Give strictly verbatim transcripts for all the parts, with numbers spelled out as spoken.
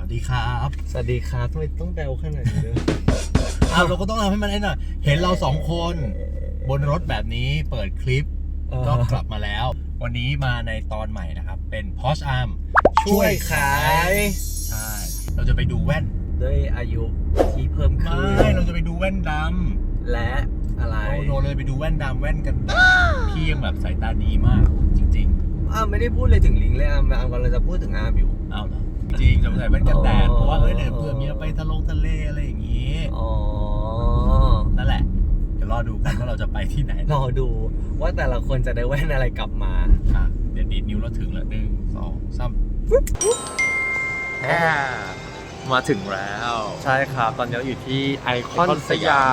สดีครับสวัสดีครับทำไมต้องแบลขนาดนี้ด้วยอ้าวเราก็ต้องทำให้มันให้หน่อยเห็นเราสองคนบนรถแบบนี้เปิดคลิปก็กลับมาแล้ววันนี้มาในตอนใหม่นะครับเป็น Porsche Arm ช่วยขายใช่เราจะไปดูแว่นด้วยอายุที่เพิ่มขึ้นไม่เราจะไปดูแว่นดำและอะไรโอ้โหเลยไปดูแว่นดำแว่นกันพี่ยังแบบสายตาดีมากจริงๆอ้าวไม่ได้พูดเลยถึงลิงเลยอาร์มอาร์มกำลังจะพูดถึงอาร์มอยู่อ้าวเหรอจริงจะใส่แว่นกันแดดเพราะว่าเอ้ยเดี๋ยวเผื่อมีไปทะลงทะเลอะไรอย่างงี้อ๋อนั่นแหละเดี๋ยวรอดูกันว่าเราจะไปที่ไหนรอดูว่าแต่ละคนจะได้แว่นอะไรกลับมาอ่ะเดี๋ยวดีดนิ้วเราถึงแล้วหนึ่งสองสามแอมาถึงแล้วใช่ครับตอนนี้เราอยู่ที่ไอคอนสยาม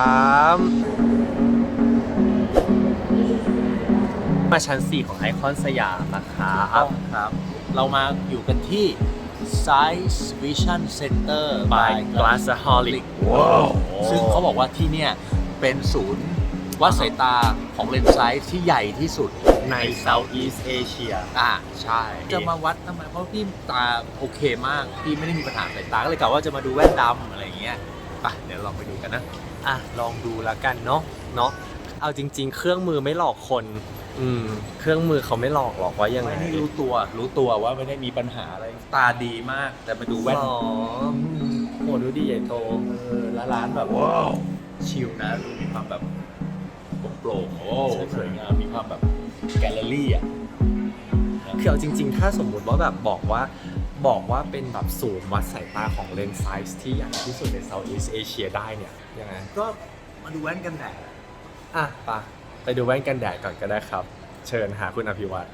มาชั้นสี่ของไอคอนสยามนะครับครับเรามาอยู่กันที่ Sight Vision Center by Glassaholic ว้าวซึ่งเขาบอกว่าที่เนี่ยเป็นศูนย์วัดสายตาของเลนส์ไซส์ที่ใหญ่ที่สุดใน Southeast Asia อ่าใช่จะมาวัดทำไมเพราะพี่ตาโอเคมากพี่ไม่ได้มีปัญหาสายตาก็เลยกะว่าจะมาดูแว่นดำอะไรอย่างเงี้ยไปเดี๋ยวลองไปดูกันนะอ่ะลองดูแล้วกันเนาะเนาะเอาจริงๆเครื่องมือไม่หลอกคนอืมเครื่องมือเขาไม่หลอกหรอกว่ายังไงไม่ได้รู้ตัวรู้ตัวว่าไม่ได้มีปัญหาอะไรตาดีมากแต่มาดูแว่นอ๋อโหดูดีใหญ่โตเออแล้วร้านแบบว้าวชิลนะดูมีความแบบโปร่งโอ้สวยงามมีความแบบแกลเลอรี่อ่ะคือเอาจริงๆถ้าสมมุติว่าแบบบอกว่าบอกว่าเป็นแบบศูนย์วัดสายตาของเลนส์ไซส์ที่ใหญ่ที่สุดใน Southeast Asia ได้เนี่ยยังไงก็มาดูแว่นกันแดดอ่ะไปไปดูแว่นกันแดดก่อนก็ได้ครับเชิญหาคุณอภิวัตร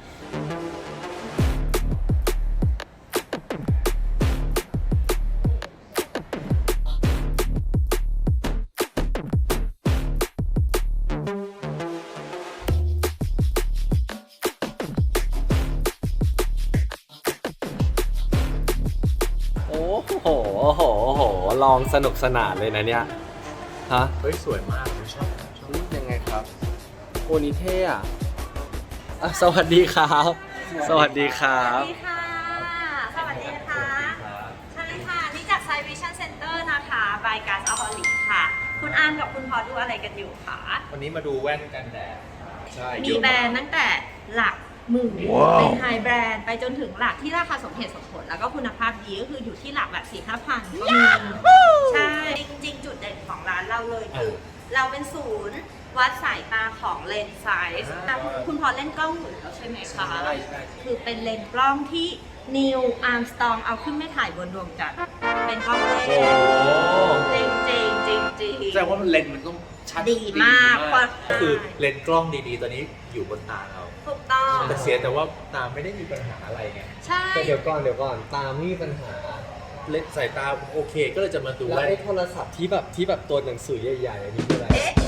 โอ้โหโอ้โหโอ้โหลองสนุกสนานเลยนะเนี่ยฮะเฮ้ยสวยมากชอบชอบยังไงครับโอนิเท่อะสวัสดีครับสวัสดีครับสวัสดีค่ะสวัสดีค่ะใช่ค่ะนี่จาก Sight Vision Center นะคะ by Glassaholic ค่ะคุณอาร์มกับคุณพอดูอะไรกันอยู่คะวันนี้มาดูแว่นกันแดดใช่มีแบรนด์ตั้งแต่หลักหมื่นเป็นไฮแบรนด์ไปจนถึงหลักที่ราคาสมเหตุสมผลแล้วก็คุณภาพดีก็คืออยู่ที่หลักแบบสี่ห้าพันก็มีใช่จริงๆจุดเด่นของร้านเราเลยคือเราเป็นศูนย์วัดสายตาของเลนส์ไซส์คุณพอเล่นกล้องอยู่แล้วใช่ไหมคะคือเป็นเลนส์กล้องที่นิวอาร์มสตรองเอาขึ้นไม่ถ่ายบนดวงจันทร์เป็นกล้องเลนส์จริงจริงจริงจริงแสดงว่าเลนส์มันต้องชัดดีมากก็คือเลนส์กล้องดีๆตอนนี้อยู่บนตาเราถูกต้องแต่เสียแต่ว่าตาไม่ได้มีปัญหาอะไรไงใช่แต่เดี๋ยวก่อนเดี๋ยวก่อนตาไม่มีปัญหาเลนส์สายตาโอเคก็เลยจะมาดูแล้วไอ้โทรศัพท์ที่แบบที่แบบตัวหนังสือใหญ่ๆอันนี้คืออะไร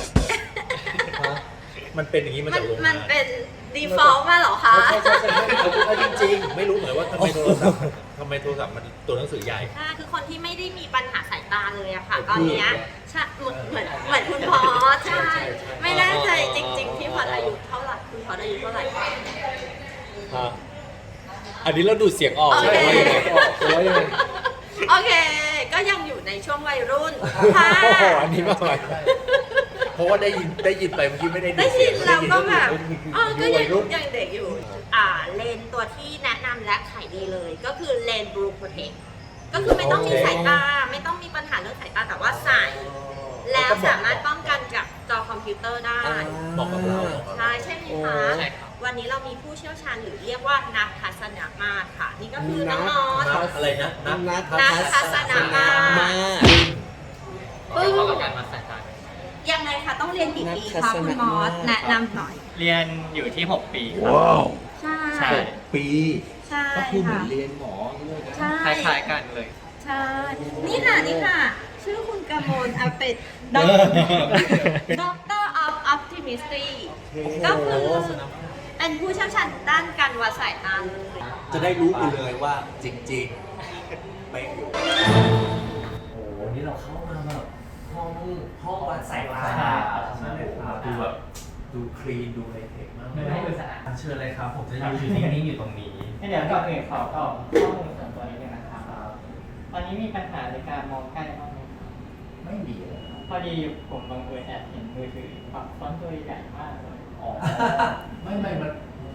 มันเป็นอย่างนี้มาจากโรงงานมันเป็น default มาเหรอคะใช่ใช่ใช่เอาจริงๆไม่รู้เหมือนว่าทำไมโทรศัพท์ทำไมโทรศัพท์มันตัวหนังสือใหญ่ใช่คือคนที่ไม่ได้มีปัญหาสายตาเลยอะค่ะตอนนี้ใช่เหมือนเหมือนเหมือนคุณพอใช่ไม่แน่ใจจริงๆที่พออายุเท่าไหร่คุณพออายุเท่าไหร่ฮะอันนี้เราดูเสียงออกใช่ไหมหรือว่ายังไงโอเคก็ยังอยู่ในช่วงวัยรุ่นค่ะอันนี้มาใหม่เพราะว่าได้ยินได้ยินไปเมื่อกี้ไม่ได้ได้ยินเราก็แบบอ๋อก็ยังยังเด็กอยู่อ่าเลนตัวที่แนะนำและขายดีเลยก็คือเลน Blue Protect ก็คือไม่ต้องมีสายตาไม่ต้องมีปัญหาเรื่องสายตาแต่ว่าใส่แล้วสามารถป้องกันกับจอคอมพิวเตอร์ได้เหมาะกับเราใช่ใช่ไหมคะวันนี้เรามีผู้เชี่ยวชาญหรือเรียกว่านักทัศนมาตรค่ะนี่ก็คือน้องมอสอะไรนะนักทัศนมาตรปึ้งยังไงคะต้องเรียนกี่ปีคะคุณมอสแนะนำหน่อยเรียนอยู่ที่หกปีครับว้าวใช่ปีใช่ก็คือเหมือนเรียนหมอใช่คล้ายๆกันเลยใช่นี่ค่ะนี่ค่ะชื่อคุณกมลอาเป็ดด็อกเตอร์ออฟออปติมิสตรีก็คือเป็นผู้เชี่ยวชาญด้านการวัดสายตาเลยจะได้รู้ไปเลยว่าจริงๆไม่อยู่โอ้โหนี่เราเข้ามาแบบห้องห้องวัดสายตาดูแบบดูคลีนดูไฮเทคมากเลยเชิญเลยครับผมจะอยู่อยู่นิ่งๆอยู่ตรงนี้เดี๋ยวก่อนอื่นขอตอบข้อมูลส่วนตัวนิดนึงนะครับตอนนี้มีปัญหาในการมองใกล้บ้างไหมไม่มีเลยครับพอดีผมบังเอิญแอบเห็นมือถือปรับฟอนต์ตัวใหญ่มากเลยอ๋อ ไม่ไม่มัน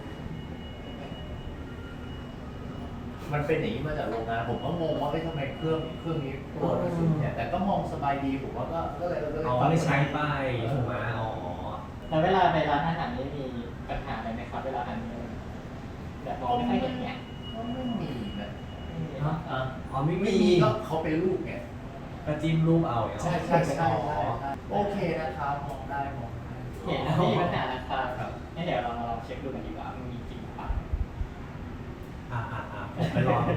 มันเป็นอย่างนี้มาจากโรงงาน ผมก็งงว่าเอ้ยทำไมเครื่องเครื่องนี้ตัวมันสุดเนี่ย แต่ก็มองสบายดี ผมว่าก็ก็เลยก็เลยอ๋อไม่ใช้ไปถูกไหมอ๋อแล้วเวลาไปร้านอาหารนี่มีปัญหาอะไรไหมครับเวลาทานเนื้อแบบมองไม่ค่อยเห็นเนี้ยก็ไม่มีนะไม่มีฮะอ่ะอ๋อไม่ไม่มีมีก็เขาเป็นลูกไงก็จิ้มรูปเอาอย่างใช่เงี้ยใช่ใช่ใช่โอเคนะครับมองได้มองได้เห็นไม่มีปัญหานะครับงั้นเดี๋ยวเรามาลองเช็คดูกันดีกว่ามันมีจริงหรือเปล่าอ่าอ่าอ่าผมไปลองดู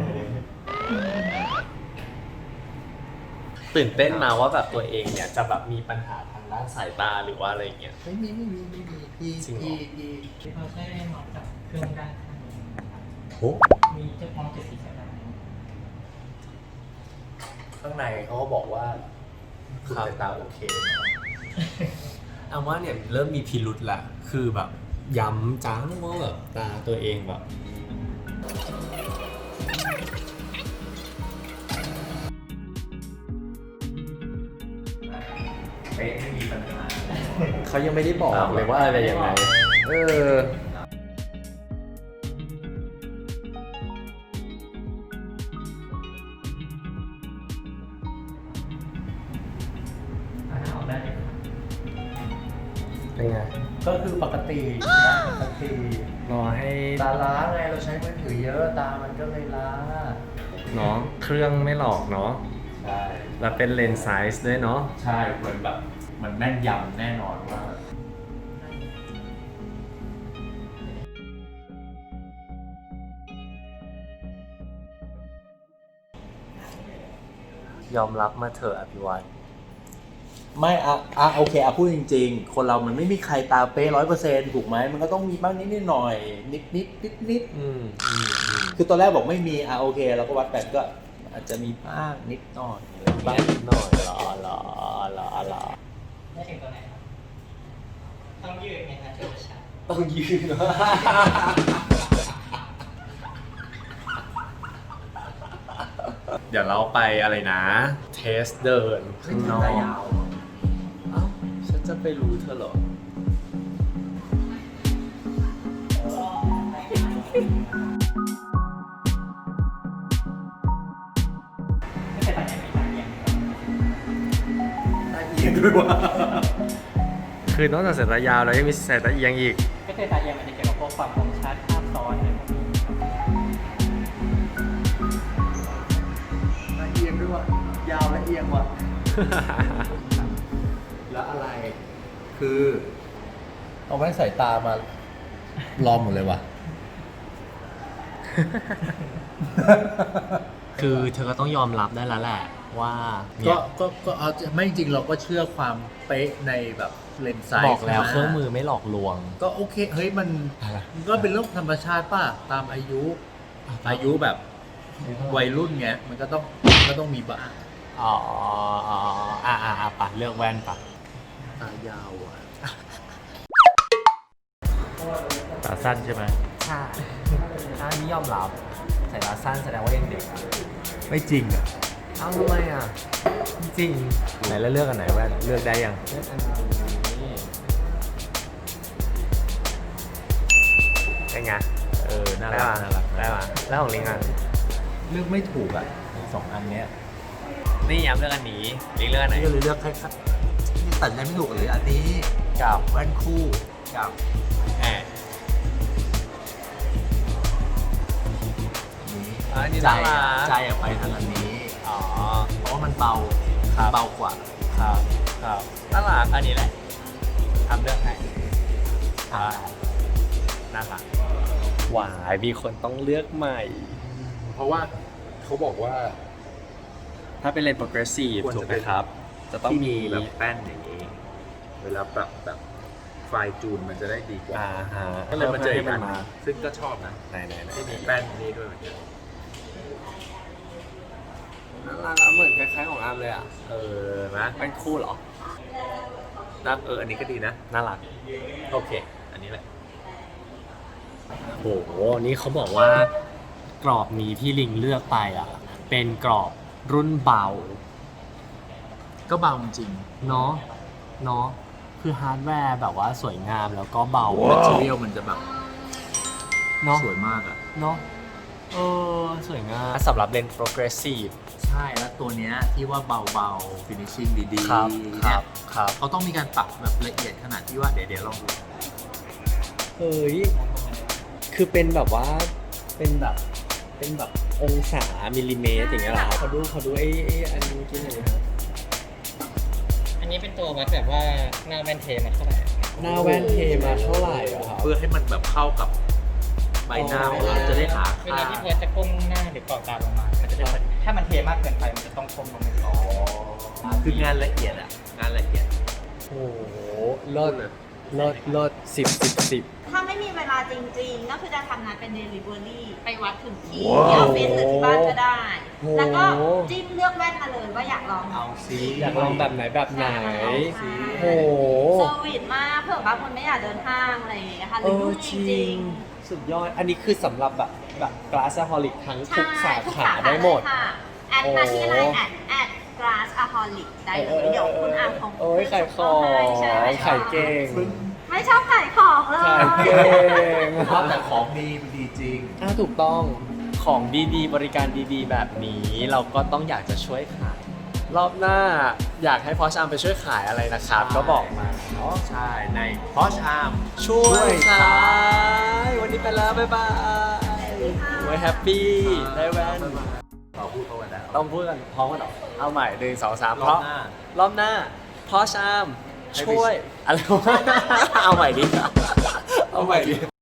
ตื่นเต้นมาว่าแบบตัวเองเนี่ยจะแบบมีปัญหาทางด้านสายตาหรือว่าอะไรเงี้ยไม่มีไม่มีไม่มีพี่จริงเหรอพี่พี่ที่เขาใช้มองจากเครื่องด้านข้างนี้นะครับโอ้มีจุดมองเจ็ดสีใช่ไหมข้างในเขาก็บอกว่าคุณสายตาโอเคเอาว่าเนี่ยเริ่มมีพิรุษละคือแบบย้ำจังว่าแบบตาตัวเองแบบเป๊ะไม่มีปัญหาเขายังไม่ได้บอกเลยว่าอะไรยังไงเอออ่าออกได้เลยเป็นไงก็คือปกตินะปกติรอให้ตาล้าไงเราใช้มือถือเยอะตามันก็เลยล้าเนาะเครื่องไม่หลอกเนาะใช่แล้วเป็นเลนส์ไซส์ด้วยเนาะใช่เหมือนแบบมันแม่นยำแน่นอนว่ายอมรับมาเถอะอภิวัตไม่อะอะโอเคอะพูดจริงๆ คนเรามันไม่มีใครตาเป๊ะร้อยเปอร์เซ็นต์ถูกไหมมันก็ต้องมีบ้างนิดนิดๆหน่อยนิดนิดนิดนิดอืมอืมอืมๆคือตอนแรกบอกไม่มีอะโอเคเราก็วัดแบบก็อาจจะมีบ้างนิดหน่อยอะไรบ้าบ้าง งนิดหน่อยเหรอเหรอเหรอเหรอได้ถึงตัวไหนครับ ต้องยืดไงนะจะชัดต้องยืน เดี๋ยวเราไปอะไรนะ เทสเดินข้างนอกเอ้าฉันจะไปรู้เธอเหรอไม่ใช่ตาใหญ่ไม่ตาเอียงตาเอียงด้วยว่าคือนอกจากสายตายาวแล้วยังมีสายตาเอียงอีกก็คือตาเอียงมันจะเกี่ยวกับพวกความคมชัดภาพซ้อนอะไรพวกนี้ตาเอียงด้วยว่ายาวและเอียงว่ะแล้วอะไร คือเอาแว่นสายตามาลอมหมดเลยว่ะคือเธอก็ต้องยอมรับได้แล้วแหละว่าเนี่ก็ยก็ก็เอาไม่จริงเราก็เชื่อความเป๊ะในแบบเลนส์ไซส์บอกแล้วนะเครื่องมือไม่หลอกลวงก็โอเค เฮ้ยมันอะไรมันก็เป็นเรื่องธรรมชาติป่ะ ตามอายุ อายุแบบวัยรุ่นไงมันก็ต้องมันก็ต้องมีบ้างอ๋ออ๋ออ่าอ่าอ่าปะเลือกแว่นปะตายาวอ่ะตาสั้นใช่ไหมใช่ถ้านี่ยอมรับสายตาสั้นแสดงว่ายังเด็กอะไม่จริงอ่ะเอ้าทำไมอ่ะ จริงไหนแล้วเลือกอันไหนแว่นเลือกได้ยังเลือกอันนี้เป็นไงเออน่ารักน่ารักได้ป่ะแล้วของลิงอ่ะเลือกไม่ถูกอ่ะสองอันเนี้ยนี่ย้ำเลือกอันนี้ลิงเลือกอันไหนนี่ก็เลยเลือกแค่นี่ตัดใจไม่ถูกเลยอันนี้กับแว่นคู่กับแอบอันนี้ใจน่าอะรักใจอะไปทางอันนี้อ๋อเพราะว่ามันเบาครับเบากว่าครับครับน่ารักอันนี้แหละทำเลือกให้อ่าน่ารักหวายมีคนต้องเลือกใหม่เพราะว่าเขาบอกว่าถ้าเป็นเลนส์ progressive ควรจะถูกไหมเป็นครับ จะต้องมีที่แบบแป้นอย่างนี้ เวลาปรับแบบไฟล์จูนมันจะได้ดีกว่าอ่าฮะก็เลยมาเจออีกอันหมานึ่งซึ่งก็ชอบนะไหนไหนไหนที่มีแป้นนี้ด้วยเหมือนกันน่ารักอะเหมือนคล้ายๆของอาร์มเลยอ่ะเออนะเป็นคู่เหรอนะเอออันนี้ก็ดีนะน่ารักโอเค อันนี้แหละโห นี่เขาบอกว่ากรอบนี้ที่ลิงเลือกไปอ่ะ เป็นกรอบรุ่นเบาก็เบาจริงเนาะเนาะคือฮาร์ดแวร์แบบว่าสวยงามแล้วก็เบาแมทเทียลมันจะแบบเนาะสวยมากอ่ะเนาะเออสวยงามสำหรับเลนส์ progressive ใช่แล้วตัวเนี้ยที่ว่าเบาๆ finishing ดีๆครับคเนี่รัยบครับเขาต้องมีการปรับแบบละเอียดขนาดที่ว่าเดี๋ยวเดี๋ยวลองดูเฮ้ยคือเป็นแบบว่าเป็นแบบเป็นแบบองศามิลลิเมตรอย่างเงี้ยเหรอครับขอดูขอดูไอ้ไอ้อันนี้กินหน่อยครับอันนี้เป็นตัววัดแบบว่าหน้าแว่นเทมาเท่าไหร่หน้าแว่นเทมาเท่าไหร่เหรอครับเพื่อให้มันแบบเข้ากับใบหน้าของเราจะได้หาเวค่าลาที่พอจะก้มหน้าหรือกรอบตาลงมา มันจะได้พอดีถ้ามันเทมากเกินไปมันจะต้องก้มลงไปก่อนคืองานละเอียดอ่ะ งานละเอียดโอ้โหเลิศเลิศเลิศสิบสิบสิบถ้าไม่มีเวลาจริงๆ ก็คือจะทำงานเป็น delivery ไปวัดถึงที่ที่ออฟฟิศหรือที่บ้านก็ได้ แล้วก็จิ้มเลือกแว่นมาเลยว่าอยากลองเอาซิอยากลองแบบไหนแบบไหนใช่โอ้โหเซอร์วิสมากเผื่อบางคนไม่อยากเดินห้างอะไรอย่างเงี้ยค่ะหเอรืออยุ่งจจริริงงสุดยอด อันนี้คือสำหรับแบบแบบ glassaholic ทั้งๆทุกสาทุกขาได้หมดเลยค่ะแอดมาที่ไลน์แอดแอด glass aholic ได้เลย เดี๋ยวคุณอาร์มของโอ้ยขายของใช่ไหมขายเก่งไม่ชอบขายของเลยขายเก่งเพราะแต่ของดีมันดีจริงถ้าถูกต้องของดีๆ บริการดีๆ แบบนี้เราก็ต้องอยากจะช่วยขาย รอบหน้าอยากให้พอชอาร์มไปช่วยขายอะไรนะครับใช่ก็บอกมาเนาะใช่ ในพอชอาร์มช่วยช่วยขาขายยวันนี้ไปแล้ว บ๊ายบายไว้แฮปปี้ได้แว่นเราพูดเขากันแล้วต้องพูดกันพร้อมกันหรอเอาใหม่หนึ่งสองสามรเพอบราะหน้ารอบหน้าพอชอาร์มให้ไปช่วย อะไรวะเอาใหม่ดิ เอาใหม่ดิ